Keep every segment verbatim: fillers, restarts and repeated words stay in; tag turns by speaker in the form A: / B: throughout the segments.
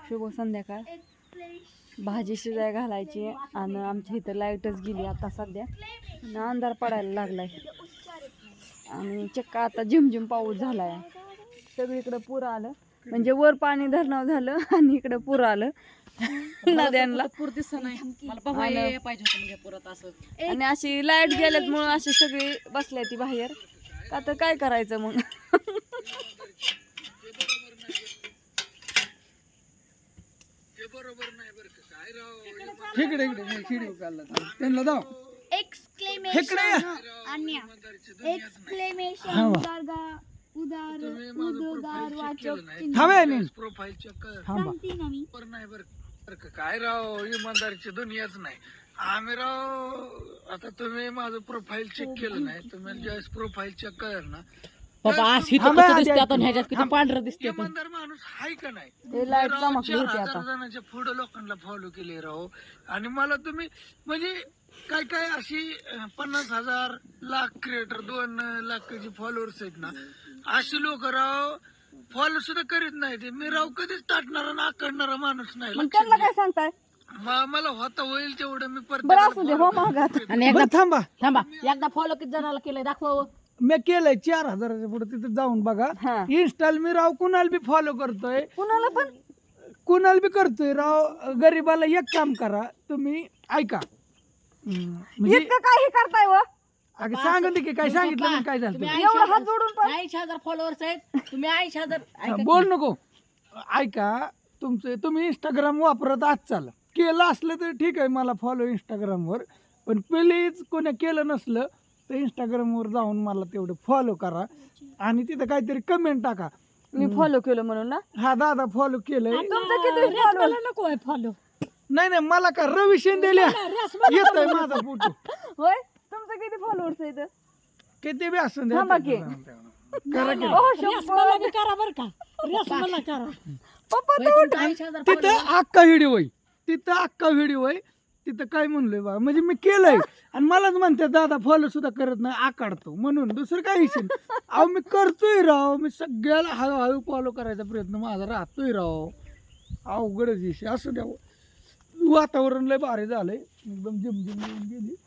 A: शुभ संध्याकाळ. भाजी शिजाय घालायची आणि आमच्या इथं लाईटच गेली आता सध्या आणि अंधार पडायला लागलाय आणि चक्का आता झिमझिम पाऊस झालाय. सगळीकडे पूर आलं म्हणजे वर पाणी धरणं झालं आणि इकडं पूर आलं नद्यांना पूर दिसत नाही मला पाहिजे पुरात असं आणि अशी लाईट गेल्यामुळं अशी सगळी बसल्या ती बाहेर का तर काय करायचं मग.
B: इकडे इकडे व्हिडिओ काढला त्यांना दाव
C: एक्सक्लेमेशन अन्य एक्सक्लेमेशन उदारगा उदार उद्गार वाचक
B: थांबे
D: प्रोफाईल चेक कर
C: सांगते ना मी
D: पर नाही बर काय राव इमानदारीची दुनियाच नाही. आम्ही राव आता तुम्ही माझं प्रोफाईल चेक केलं नाही तुम्ही ज्यावेळेस प्रोफाईल चेक कर ना
A: पांढरं दिसते
D: इमानदार माणूस हाय का नाही.
A: ते लाईट
D: राव,
A: चमकली
D: चार
A: होती
D: हजार
A: आता
D: जणांच्या पुढे लोकांना फॉलो केले राव आणि मला तुम्ही म्हणजे काय काय अशी अं, पन्नास हजार लाख क्रिएटर दोन लाखाचे फॉलोअर्स आहेत ना अशी लोक राव फॉलो सुद्धा करीत नाही. ते मी राव कधीच ताटणारा ना आकडणारा माणूस नाही.
A: मग त्यांना काय सांगताय.
D: म- मला होता होईल तेवढं मी
A: बरं असू दे हो मागात
B: आणि एकदा थांबा
E: थांबा एकदा फॉलो किती जणाला केलंय दाखवा.
B: मी केलंय चार हजाराच्या पुढे तिथे जाऊन बघा.
A: हा
B: इन्स्टाल मी राव कुणाला बी फॉलो करतोय
A: कुणाला पण
B: कुणाला बी करतोय राव. गरीबाला एक काम करा तुम्ही ऐका हम्म, म्हणजे
A: इतकं काय हे करताय व
B: अगं सांगितलं की काय सांगितलं मी काय झालं
E: तुम्ही
B: ते.
A: एवढं हात जोडून पण
E: ऐंशी हजार फॉलोअर्स आहेत तुम्ही ऐंशी हजार
B: हा,
E: ऐका
B: बोल नको ऐका तुमचं तुम्ही इंस्टाग्राम वापरत आजचाल केलं असलं तर ठीक आहे मला फॉलो इंस्टाग्रामवर पण प्लीज कोणी केलं नसलं तर इंस्टाग्रामवर जाऊन मला तेवढं फॉलो करा आणि तिथं काहीतरी कमेंट टाका.
A: मी फॉलो केलं म्हणून ना.
B: हा दादा फॉलो केलंय.
A: तुमचं किती फॉलो
E: नको आहे फॉलो.
B: नाही नाही मला का रवी शिंदेल्या येतोय माझा फोटो
A: होय तुमचं किती फॉलोअर्स आहेत.
B: किती बी असून द्या.
A: थांबा की.
B: करा की.
A: ओ शंभर.
E: करा बर का मला करा
A: पप्पा तू
E: ऐंशी हजार
B: तिथं अख्खा व्हिडिओ आहे तिथं अख्खा व्हिडिओ आहे तिथं काय म्हणलोय बा म्हणजे मी केलंय आणि मलाच म्हणते दादा फॉलो सुद्धा करत नाही आकाडतो म्हणून दुसरं काही विषय नाही. अहो मी करतोय राव मी सगळ्याला हळूहळू फॉलो करायचा प्रयत्न माझा राहतोय राव. अवघडच विषय असू द्या. वातावरण लय भारी झालंय एकदम जिमजिम येऊन गेली.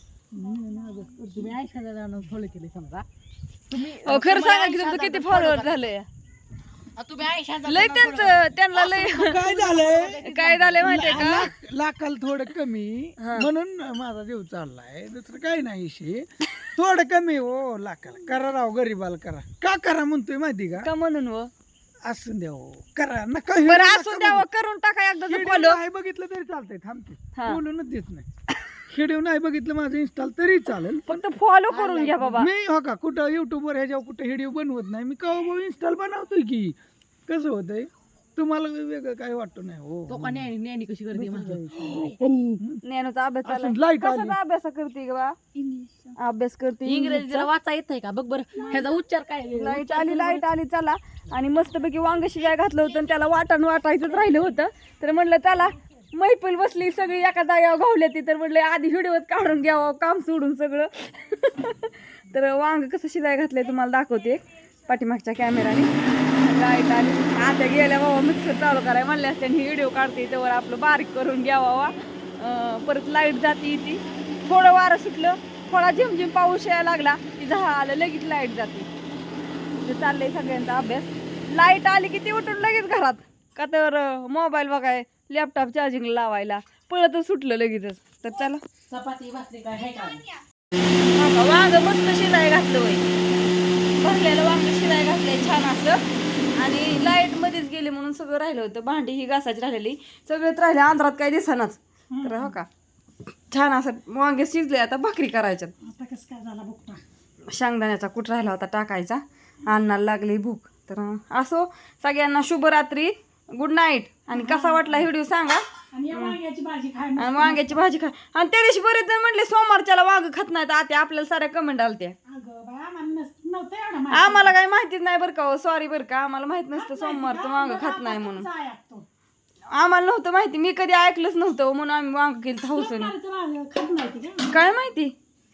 E: तुम्ही ऐंशी हजार फॉलो केले समजा तुम्ही
A: अहो, खरं सांगा की तुमचं किती फॉलोअर झाले.
E: तुम्ही ऐंशी हजार
A: लय त्यांचं त्यांना लय
B: काय झालंय
A: काय झालंय माहितीये का.
B: लाख- लाखाला थोडं कमी
A: हा.
B: म्हणून माझा जीव चाललाय दुसरं काही नाही विषय. थोडं कमी हो लाखाला करा राव गरीबाला करा का करा म्हणतोय माहिती का
A: का म्हणून व
B: असून द्या हो करा नका
A: बरं
B: हिडू
A: असून
B: नका
A: द्यावं करून टाका एकदा
B: हिडू
A: फॉलो.
B: नाही बघितलं तरी चालतंय थांबते
A: हा.
B: बोलूनच देत नाही. हिडू नाही बघितलं माझं इन्स्टॉल तरी चालेल पण
A: फक्त फॉलो करून घ्या बाबा.
B: मी हो का कुठं युट्यूबवर ह्याच्यावर कुठं व्हिडिओ बनवत नाही मी कवा इन्स्टॉल बनवतोय की कसं होतंय तुम्हाला वेगळं काय वाटतं नाही हो.
E: तो का न्यानी न्यानी कशी करते माझं
A: ज्ञानाचा अभ्यास चालू
B: असून लाईट आली.
A: कशाचा अभ्यास करते ग बा.
C: इंग्लिश
A: अभ्यास करते
E: इंग्रजी जरा वाचा येत का बघ बरं ह्याचा उच्चार काय
A: लाईट आली लाईट आली चला आणि मस्तपैकी वांग शिजाय घातलं होतं आणि त्याला वाटण वाटायचंच राहिलं होतं तर म्हणलं चला मैफिल बसली सगळी एका जाग्यावर घावल्या ती तर म्हटलं आधी व्हिडिओत काढून घ्यावं काम सोडून सगळं. तर वांग कसं शिजाय घातलंय तुम्हाला दाखवते पाठीमागच्या कॅमेराने. लाईट आली आता गेल्या बाबा मिक्सर चालू करायला म्हणले असते आणि व्हिडिओ काढते त्यावर आपलं बारीक करून घ्यावा. परत लाईट जाते ती थोडं वारं सुटलं थोडा झिमझिम पाऊस यायला लागला की झालं लगेच लाईट जाते. म्हणजे चाललंय सगळ्यांचा अभ्यास. लाईट आली की ती उठून लगेच घरात का तर मोबाईल बघाय लॅपटॉप चार्जिंग लावायला पळतच सुटलं लगेचच. तर चला
E: चपाती भाकरी काय आहे का
A: हा, वांग मस्त शिजाय घातलं वय भरलेलं वांग शिजाय घातलंय छान असं आणि लाईट मध्येच गेली म्हणून सगळं राहिलं होतं. भांडी ही घासायची राहिलेली सगळेच राहिले अंधारात काही दिसनाच. तर हो का छान असं वांगे शिजले आता भाकरी करायच्यात.
E: आता कसं काय झाला बघता
A: शेंगदाण्याचा कूट राहिला होता टाकायचा अन्नाला लागली भूक. तर असो सगळ्यांना शुभरात्री गुड नाईट. आणि कसा वाटला व्हिडिओ सांगा
E: आणि वांग्याची भाजी खाय
A: आणि वांग्याची भाजी खा. आणि त्या दिवशी बरेच जण म्हणले सोमवारच्याला वांग खात नाहीत आते आपल्याला साऱ्या कमेंट आलत्या. आम्हाला काही माहितीच नाही बरं का. सॉरी बरं का आम्हाला माहित नसतं सोमवारचं वांग खात नाही म्हणून. आम्हाला नव्हतं माहिती मी कधी ऐकलंच नव्हतं म्हणून आम्ही वांग केलं हौसने. काय माहिती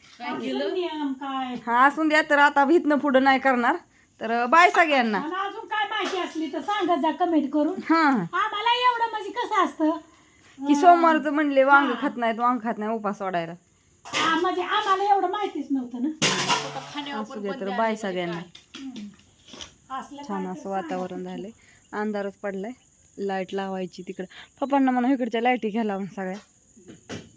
A: हा असून द्या. तर आता भीतनं पुढं नाही करणार. तर बाय सगळ्यांना.
E: अजून काय माहिती असली तर सांगा जा कमेंट करून.
A: हा
E: आम्हाला एवढं कसं असतं
A: की सोमवारचं म्हणले वांग खात नाहीत वांग खात नाही उपास सोडायला.
E: आ, म्हणजे आम्हाला एवढं माहितीच नव्हतं ना.
A: असू दे तर बाय सगळ्यांना.
E: असलं
A: छान
E: काय
A: असं
E: तर
A: वातावरण झालंय. अंधारच पडलाय. लाईट लावायची तिकडं. पप्पांना म्हणा इकडच्या लाईटी घ्यायला सगळ्या.